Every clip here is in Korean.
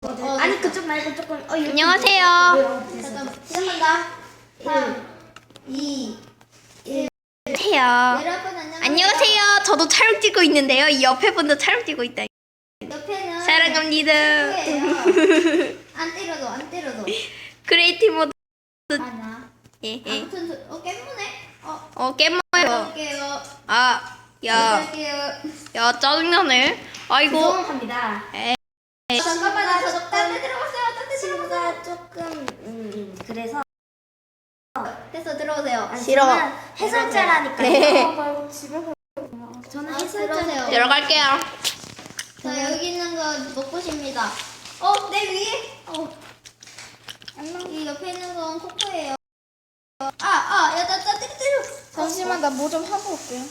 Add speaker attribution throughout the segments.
Speaker 1: 아니 그쪽 말고 조금
Speaker 2: 안녕하세요.
Speaker 1: 잠깐 시작한다. 3, 2, 1.
Speaker 2: 안녕하세요.
Speaker 1: 여러분 안녕하세요.
Speaker 2: 안녕하세요. 저도 촬영 찍고 있는데요. 이 옆에 분도 촬영 찍고 있다.
Speaker 1: 옆에는
Speaker 2: 사랑합니다.
Speaker 1: 안 때려도.
Speaker 2: 크리에이티브 모드.
Speaker 1: 아나.
Speaker 2: 예.
Speaker 1: 아무튼 깨무네.
Speaker 2: 깨먹어요.
Speaker 1: 할게요.
Speaker 2: 야,
Speaker 1: 할게요.
Speaker 2: 야, 짜증나네. 아이고.
Speaker 1: 죄송합니다. 잠깐만 딴데 들어갔어요. 딴데
Speaker 3: 친구가 조금 그래서
Speaker 1: 됐어 들어오세요.
Speaker 2: 싫어.
Speaker 3: 저는 해설자라니까요.
Speaker 2: 네.
Speaker 3: 저는
Speaker 1: 들어오세요.
Speaker 2: 들어갈게요.
Speaker 1: 자 여기 있는 거 먹고십니다. 내 위에. 이 옆에 있는 건 코코예요. 야, 나 때려.
Speaker 4: 잠시만 나 뭐 좀 하고 올게요.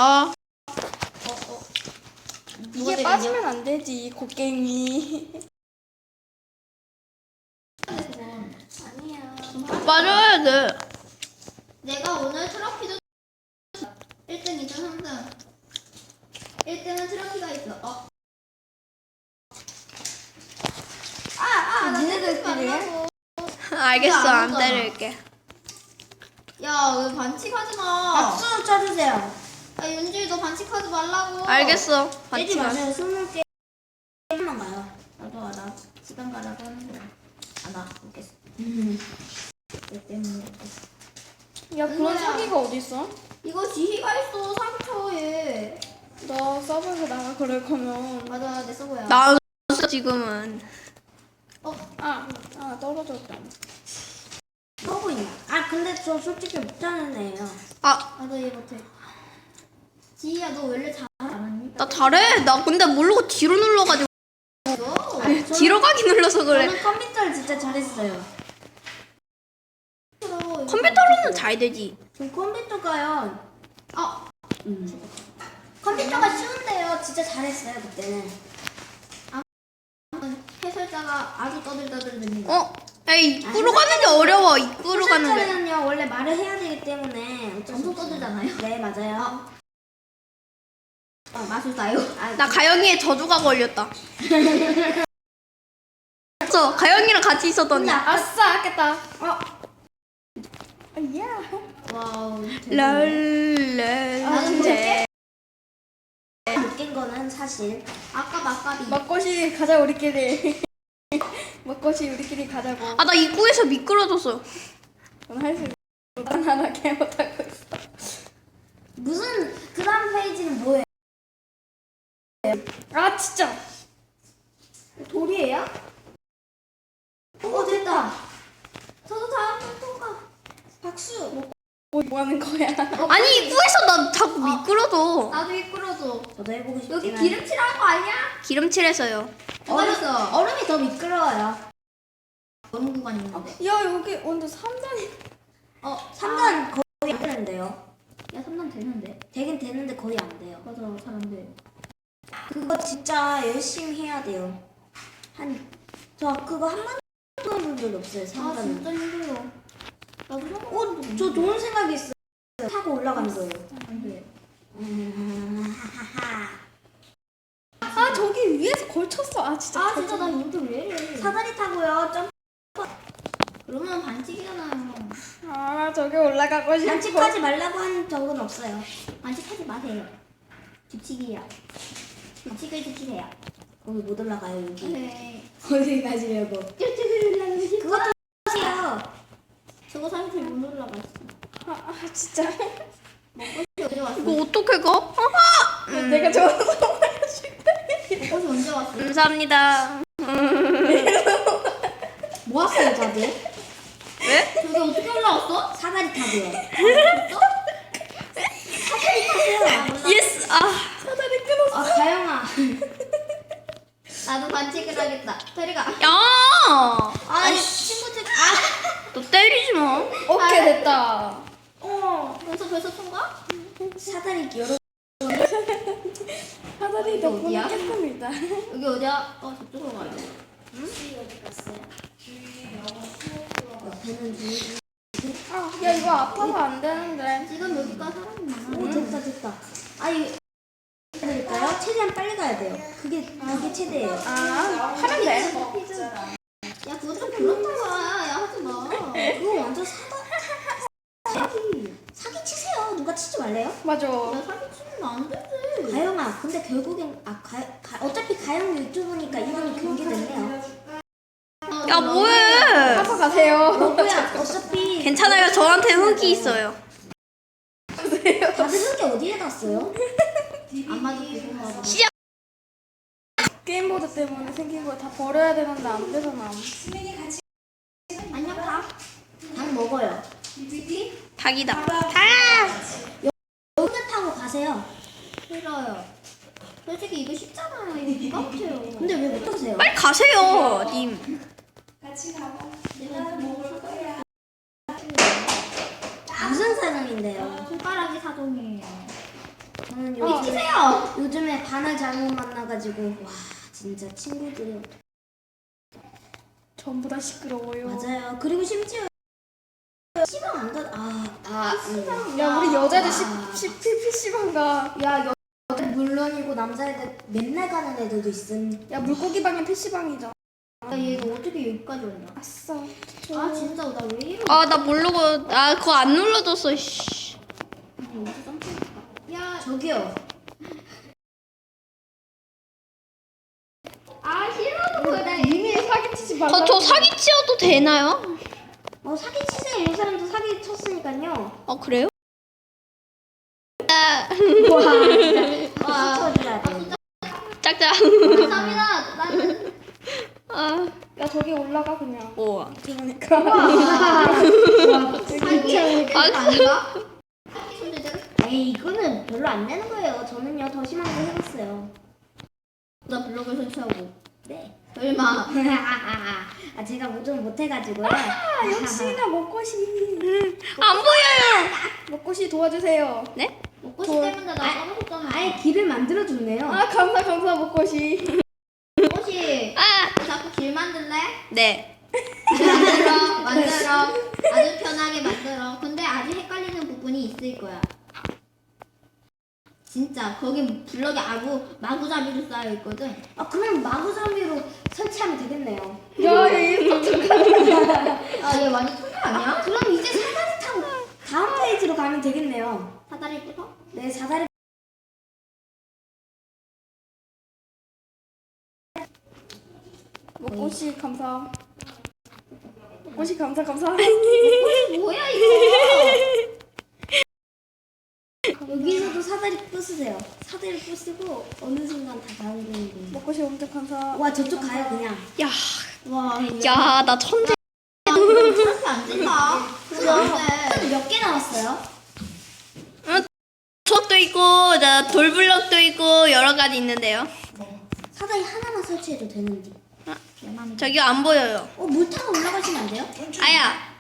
Speaker 4: 이게
Speaker 1: 때리냐?
Speaker 4: 빠지면 안 되지 곡괭이.
Speaker 1: 아니야.
Speaker 2: 빠져야 돼.
Speaker 1: 내가 오늘 트로피도 1등, 2등, 3등. 1등은 트로피가 있어. 나
Speaker 4: 니네들끼리
Speaker 1: 때리지 말라고.
Speaker 2: 알겠어. 안
Speaker 1: 아무도
Speaker 2: 때릴게.
Speaker 1: 야, 왜 반칙하지 마.
Speaker 3: 박수 쳐주세요.
Speaker 1: 야, 윤지 너 반칙하지 말라고.
Speaker 2: 알겠어.
Speaker 3: 빼지
Speaker 2: 받지 마.
Speaker 3: 마세요. 20개 한번 가요.
Speaker 1: 나도 알아. 시간 가라고 하는 거야. 나 못겠어. 내 때문에 못겠어.
Speaker 4: 야 그런
Speaker 1: 은호야.
Speaker 4: 사기가 어딨어?
Speaker 1: 이거 지희가 있어, 3초에.
Speaker 4: 너 서버에서 나가 그럴 거면
Speaker 1: 맞아, 내 서버야.
Speaker 2: 나 지금은.
Speaker 4: 떨어졌다.
Speaker 3: 서고 있나? 근데 저 솔직히 못하는 애예요.
Speaker 1: 나도 이해 못해. 지희야, 너 원래 잘 안 하니?
Speaker 2: 나 잘해. 나 근데 모르고 뒤로 눌러가지고. 뒤로 가기 눌러서 그래.
Speaker 3: 저는 컴퓨터를 진짜 잘했어요.
Speaker 2: 컴퓨터로는 잘 되지.
Speaker 3: 저 컴퓨터가요. 컴퓨터가 쉬운데요. 진짜 잘했어요 그때는.
Speaker 1: 해설자가 아주 떠들떠들립니다.
Speaker 2: 에이, 입구로 가는 게 어려워. 입구로 가는 게.
Speaker 3: 해설자는요 원래 말을 해야 되기 때문에 어쩔 수
Speaker 1: 엄청
Speaker 3: 없어요.
Speaker 1: 떠들잖아요.
Speaker 3: 네 맞아요.
Speaker 1: 마술사요?
Speaker 2: 나 가영이의 저주가 걸렸다. 저 가영이랑 같이 있었더니.
Speaker 4: 아싸 아꼈다.
Speaker 1: 와우.
Speaker 2: 랄랄.
Speaker 3: 웃긴 거는 사실
Speaker 1: 아까 막가비.
Speaker 4: 먹고시 가자 우리끼리. 먹고시 우리끼리 가자고.
Speaker 2: 나 입구에서 미끄러졌어.
Speaker 4: 넌 할 수 있어. 난 하나밖에 못하고 있어.
Speaker 3: 무슨 그 다음 페이지는 뭐예요?
Speaker 4: 진짜.
Speaker 3: 돌이에요? 됐다.
Speaker 1: 저도 다음 번 통과.
Speaker 3: 박수.
Speaker 4: 뭐 하는 거야?
Speaker 2: 아니, 입구에서 나 자꾸 미끄러져.
Speaker 1: 나도 미끄러져.
Speaker 3: 저도 해보고 싶긴
Speaker 1: 여기
Speaker 3: 한데.
Speaker 1: 기름칠한 거 아니야?
Speaker 2: 기름칠해서요.
Speaker 1: 누가 했어?
Speaker 3: 얼음이 더 미끄러워요.
Speaker 1: 얼음 구간 있는데.
Speaker 4: 야 여기 온도 3단이.
Speaker 3: 3단 거의 안 되는데요.
Speaker 1: 야, 3단 되는데.
Speaker 3: 되긴 되는데 거의 안 돼요.
Speaker 1: 맞아, 잘 안 돼.
Speaker 3: 그거 진짜 열심히 해야 돼요. 저 그거 한 번도 해본 적이 없어요. 3단은.
Speaker 1: 진짜 힘들어. 나도 생각도
Speaker 3: 저 좋은 생각이 있어요. 타고 올라가는 거예요.
Speaker 1: 안 돼.
Speaker 3: 하하하.
Speaker 4: 저기 위에서 걸쳤어. 진짜.
Speaker 1: 진짜 나 이거 왜 이래?
Speaker 3: 사다리 타고요. 점
Speaker 1: 그러면 반칙이잖아요.
Speaker 4: 저기 올라가고 싶어.
Speaker 3: 반칙하지 말라고 한 적은 없어요.
Speaker 1: 반칙하지 마세요. 규칙이야. 규칙을 지키세요.
Speaker 3: 거기 못 올라가요 여기.
Speaker 1: 네.
Speaker 3: 거기 가시려고.
Speaker 1: 규칙을 올라가고 싶어.
Speaker 3: 그것도 하세요.
Speaker 1: 저거 사실 못 올라갔어.
Speaker 4: 진짜.
Speaker 1: 언제 왔어?
Speaker 2: 이거 어떻게 가?
Speaker 4: 내가 좋아서
Speaker 1: 먹고시 언제 왔어?
Speaker 2: 감사합니다.
Speaker 3: 뭐 하세요 다들?
Speaker 2: 왜?
Speaker 1: 저기 어떻게 올라왔어?
Speaker 3: 사다리 타고요.
Speaker 2: 예스.
Speaker 4: 사다리 끊었어.
Speaker 3: 가영아.
Speaker 1: 나도 반칙을 하겠다. 테리가.
Speaker 2: 야.
Speaker 1: 아니 친구 책.
Speaker 2: 너 때리지 마.
Speaker 4: 오케이 됐다.
Speaker 1: 벌써 통과?
Speaker 3: 사다리 여러.
Speaker 4: 사다리 덕분에
Speaker 1: 어디야?
Speaker 4: 깨끗이다.
Speaker 1: 여기 어디야? 저쪽으로 가야 돼.
Speaker 3: 옆에는 누구?
Speaker 4: 야 이거 아파서 안 되는데.
Speaker 1: 지금 여기가 사람이 많아.
Speaker 3: 오 됐다. 아니 그러니까요. 최대한 빨리 가야 돼요. 그게 최대예요.
Speaker 4: 하면 돼.
Speaker 3: 결국엔 어차피 가영 유튜브니까 이름이 그게 됐네요.
Speaker 2: 야 뭐해?
Speaker 4: 하고 가세요.
Speaker 3: 뭐야 어차피
Speaker 2: 괜찮아요. 저한테 흙이 있어요.
Speaker 3: 다들 흙이 어디에 갔어요?
Speaker 1: 아마도 그건가 봐.
Speaker 2: 시작.
Speaker 4: 게임보드 때문에 생긴 거 다 버려야 되는데 안 되잖아.
Speaker 1: 안녕 다.
Speaker 3: 닭 먹어요.
Speaker 2: 닭이다. 닭.
Speaker 3: 여기 타고 가세요.
Speaker 1: 싫어요. 솔직히 이거 쉽잖아요. 이거 누가 못해요.
Speaker 3: 근데 왜 못 타세요?
Speaker 2: 빨리 가세요, 님.
Speaker 3: 무슨 사람인데요?
Speaker 1: 손가락이 사정이에요.
Speaker 3: 저는
Speaker 1: 비키세요.
Speaker 3: 요즘에 반을 잘못 만나가지고 와 진짜 친구들이
Speaker 4: 전부 다 시끄러워요.
Speaker 3: 맞아요. 그리고 심지어 시방 안 가.
Speaker 4: 야 우리 여자들
Speaker 3: 아.
Speaker 4: PC방 가.
Speaker 3: 야 여자 물론이고 남자애들 맨날 가는 애들도 있음.
Speaker 4: 야 물고기 방에 PC방이잖아.
Speaker 1: 야, 얘가 어떻게 여기까지 왔냐?
Speaker 4: 아싸.
Speaker 1: 아 진짜 나 왜 이러고
Speaker 2: 아 나 모르고 그거 안 눌러줬어. 씨.
Speaker 1: 여기서 점프했다. 야,
Speaker 3: 저기요.
Speaker 1: 아 싫어도 그래.
Speaker 4: 이미 사기치지 말라.
Speaker 2: 저 사기 치어도 되나요?
Speaker 3: 사기 치세요. 이 사람도 사기 쳤으니까요.
Speaker 2: 그래요?
Speaker 3: 와 진짜
Speaker 1: 와.
Speaker 3: 쳐줘야 돼.
Speaker 2: 짝짝.
Speaker 1: 감사합니다. 나는
Speaker 2: 아,
Speaker 4: 야 저기 올라가 그냥.
Speaker 2: 우와.
Speaker 4: 그러니까.
Speaker 1: 사기 아닌가? 손대대로.
Speaker 3: 에이 이거는 별로 안 되는 거예요. 저는요 더 심한 거 해봤어요.
Speaker 1: 나 블록을 설치하고.
Speaker 3: 네.
Speaker 1: 설마.
Speaker 3: 아 제가 뭐 좀 못해가지고요.
Speaker 4: 역시나 먹고시.
Speaker 2: 안 보여요.
Speaker 4: 먹고시 도와주세요.
Speaker 2: 네?
Speaker 1: 먹고 싶 때문에 나 까먹었잖아.
Speaker 3: 아예 길을 만들어 줬네요.
Speaker 4: 아 감사 먹고시.
Speaker 1: 혹시
Speaker 2: 아,
Speaker 1: 자꾸 길 만들래?
Speaker 2: 네.
Speaker 1: 만들어. 아주 편하게 만들어. 근데 아직 헷갈리는 부분이 있을 거야. 진짜 거기 블럭이 마구잡이로 쌓여 있거든.
Speaker 3: 그럼 마구잡이로 설치하면 되겠네요.
Speaker 4: 야얘
Speaker 1: 아 얘 완전 소녀 아니야?
Speaker 3: 그럼 이제 사다리 타고 다음 페이지로 가면 되겠네요.
Speaker 1: 사다리 부서?
Speaker 3: 네 사다리.
Speaker 4: 먹고시 감사. 먹고시 감사.
Speaker 1: 뭐야 이거?
Speaker 3: 여기서도 사다리 부수세요. 사다리 부수고 어느 순간 다 가는 거예요.
Speaker 4: 먹고시 엄청 감사.
Speaker 3: 와 저쪽 가요 그냥.
Speaker 2: 야,
Speaker 1: 와
Speaker 2: 야, 나 천재.
Speaker 1: 이렇게 안 된다. 그런데
Speaker 3: 몇 개 남았어요?
Speaker 2: 촛도 있고, 돌블럭도 있고 여러 가지 있는데요.
Speaker 3: 사다리 하나만 설치해도 되는데.
Speaker 2: 저기요 안 보여요.
Speaker 3: 물 타고 올라가시면 안 돼요?
Speaker 2: 아야.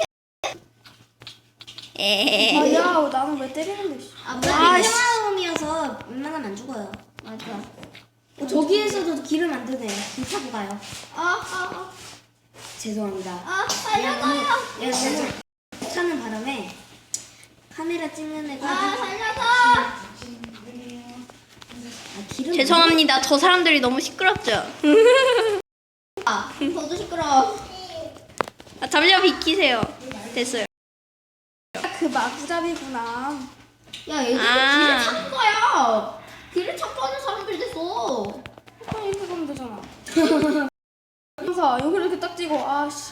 Speaker 2: 에헤.
Speaker 4: 아야 나는 왜 때리는데? 씨.
Speaker 3: 평화음이어서 웬만하면 안 죽어요.
Speaker 1: 맞아.
Speaker 3: 저기에서도 길을 만드네요. 길 타고 가요. 죄송합니다.
Speaker 1: 살려줘요.
Speaker 3: 야, 너무 차는 바람에 카메라 찍는 애가
Speaker 1: 살려줘.
Speaker 3: 길을
Speaker 2: 죄송합니다. 저 사람들이 너무 시끄럽죠.
Speaker 1: 저도 시끄러워.
Speaker 2: 잠시만 비키세요. 됐어요.
Speaker 4: 그 마구잡이구나.
Speaker 1: 야 얘들 길을 찾는 거야. 길을 찾고 하는 사람들 됐어.
Speaker 4: 그럼 이렇게 가면 되잖아. 감사 여기 이렇게 딱 찍어. 아씨.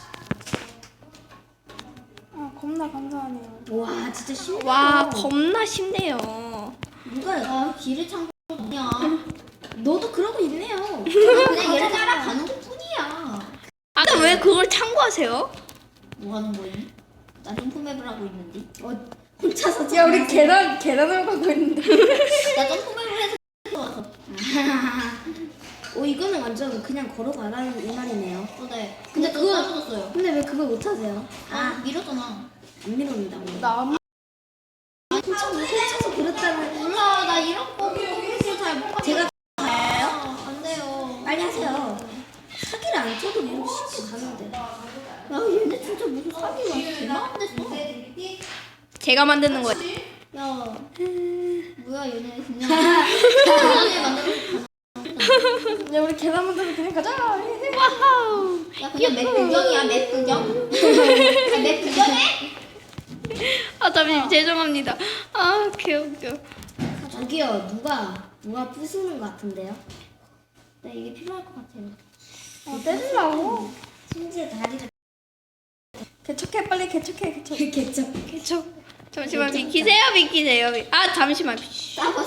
Speaker 4: 겁나 감사하네요.
Speaker 3: 와 진짜 심해.
Speaker 2: 와, 겁나 쉽네요.
Speaker 3: 누가요?
Speaker 1: 길을 찾고 그냥
Speaker 3: 너도 그러고 있네요.
Speaker 1: 그냥 얘를 따라가는 것 뿐이야.
Speaker 2: 근데 왜 그걸 참고하세요?
Speaker 1: 뭐 하는 거니? 나 점프맵을 하고 있는데.
Speaker 3: 혼자서
Speaker 4: 야 우리 계단을 가고 있는데.
Speaker 1: 나 점프맵을 해서 왔어.
Speaker 3: 이거는 완전 그냥 걸어가라는 이 말이네요.
Speaker 1: 네.
Speaker 3: 근데
Speaker 1: 근데
Speaker 3: 그거-
Speaker 1: 그거 떨어졌어요.
Speaker 3: 근데 왜 그걸 못 하세요?
Speaker 1: 밀었잖아.
Speaker 3: 안 밀었는다.
Speaker 4: 나
Speaker 3: 혼자서 그렇다는.
Speaker 1: 몰라 나 이런 거 잘못 봤어.
Speaker 3: 제가
Speaker 1: 안 돼요.
Speaker 3: 빨리 하세요. 사기를 안 쳐도 이렇게 쉽게 가는데.
Speaker 1: 야 얘네 진짜 무슨 사기야. 개망 됐어.
Speaker 2: 제가 만드는 거예요.
Speaker 1: 야 뭐야 얘네 그냥 계단을 만들어.
Speaker 4: 야 우리 계단 만들어 그냥 가자.
Speaker 2: 와우.
Speaker 1: 야 그냥 맵 구경이야 맵 구경. 맵 구경해?
Speaker 2: 잠시만 죄송합니다. 개웃겨.
Speaker 3: 저기요 누가 누가 부수는 것 같은데요?
Speaker 1: 네, 이게 필요할 것 같아요.
Speaker 4: 때리려고.
Speaker 3: 심지어 다리를
Speaker 4: 개척해 빨리 개척해.
Speaker 3: 개척.
Speaker 2: 잠시만 비키세요. 아 잠시만.
Speaker 1: 싸워.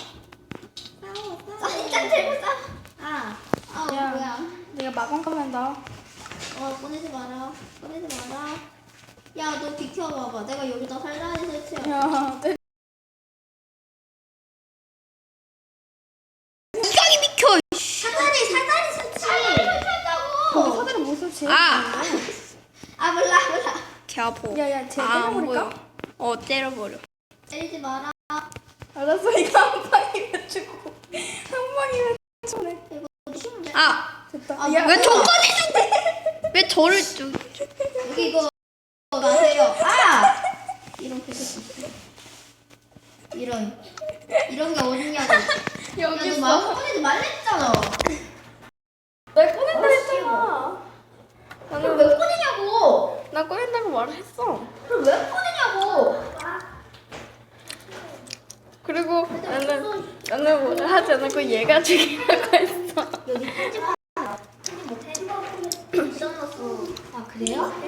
Speaker 1: 짠 들고 싸워.
Speaker 3: 아,
Speaker 4: 야.
Speaker 1: 뭐야.
Speaker 4: 내가 마감 가면다.
Speaker 1: 꺼내지 마라. 야, 너 비켜봐봐. 내가 여기다 살라리 설치해.
Speaker 4: 야
Speaker 2: 이강이 비켜.
Speaker 1: 사다리 설치.
Speaker 4: 거기 사다리 못 설치.
Speaker 1: 아, 몰라.
Speaker 2: 개아파.
Speaker 4: 야야 쟤
Speaker 2: 안
Speaker 4: 때려버릴까?
Speaker 2: 보여. 때려버려.
Speaker 1: 때리지 마라.
Speaker 4: 알았어 이거 한 방이면 주고 한 방이면 주네.
Speaker 1: 쉬운데?
Speaker 4: 됐다.
Speaker 2: 왜 저까지 준대? 왜 저를 좀?
Speaker 1: 여기 이거 마세요. 이런 패스. 이런 게 어딨냐고.
Speaker 4: 여기
Speaker 1: 야, 너
Speaker 4: 있어.
Speaker 1: 마음 꺼내지 말랬잖아.
Speaker 4: 나 꺼낸다 했잖아.
Speaker 1: 그럼 왜 꺼내냐고.
Speaker 4: 나 꺼낸다고 말을 했어.
Speaker 1: 그럼 왜 꺼내냐고.
Speaker 4: 그리고 나는 뭐를 하지 않았고 얘가 죽이라고 했어.
Speaker 1: 여기 편집 못해. 부담났어. 아, 그래요?